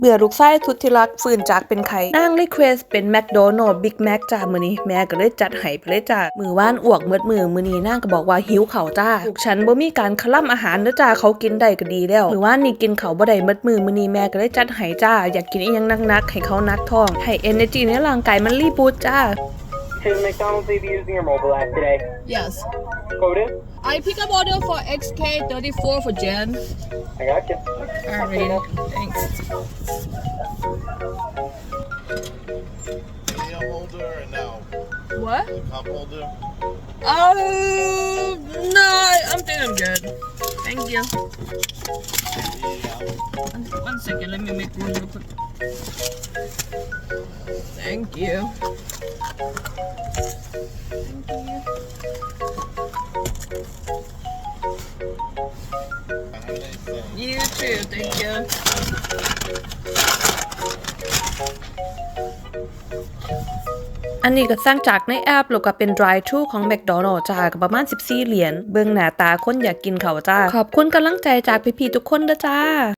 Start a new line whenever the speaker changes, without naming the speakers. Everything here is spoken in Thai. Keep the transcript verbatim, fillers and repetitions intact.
เบื่อลูกชายสุดที่รักฟื้นจากเป็นไข้นางรีเควสเป็นแมคโดนัลด์บิ๊กแม็กจ้ามื้อนี้แม่ก็เลยจัดให้ไปเลยจ้ามื้อวานอ้วกเบิดมื้อมื้อนี้นางก็บอกว่าหิวข้าวจ้าลูกฉันบ่มีการคล่ำอาหารเด้อจ้าเขากินได้ก็ดีแล้วมื้อวานนี่กินข้าวบ่ได้เบิดมื้อมื้อนี้แม่ก็เลยจัดให้จ้าอยากกินอีหยังหนักๆให้เขานักท้องให้ energy ในร่างกายมันรีบูตจ้า
Should McDonald's be using your mobile app today?
Yes.
Quoted?
I pick up order for X K thirty-four for Jen.
I got you.
Alright, thanks.
Cup holder or no?
What?
The cup holder?
Um, no, I'm think I'm good. Thank you.
Yeah.
One, one second, let me make room real quick. Thank you. You too, thank you.
อันนี้ก็สร้างจากในแอปแล้วก็เป็น drive thru ของ McDonald's จ้าก็ประมาณสิบสี่เหรียญเบิ่งหน้าตาคนอยากกินเขาวจ้าขอบคุณกำลังใจจากพี่ๆทุกคนเด้อจ้า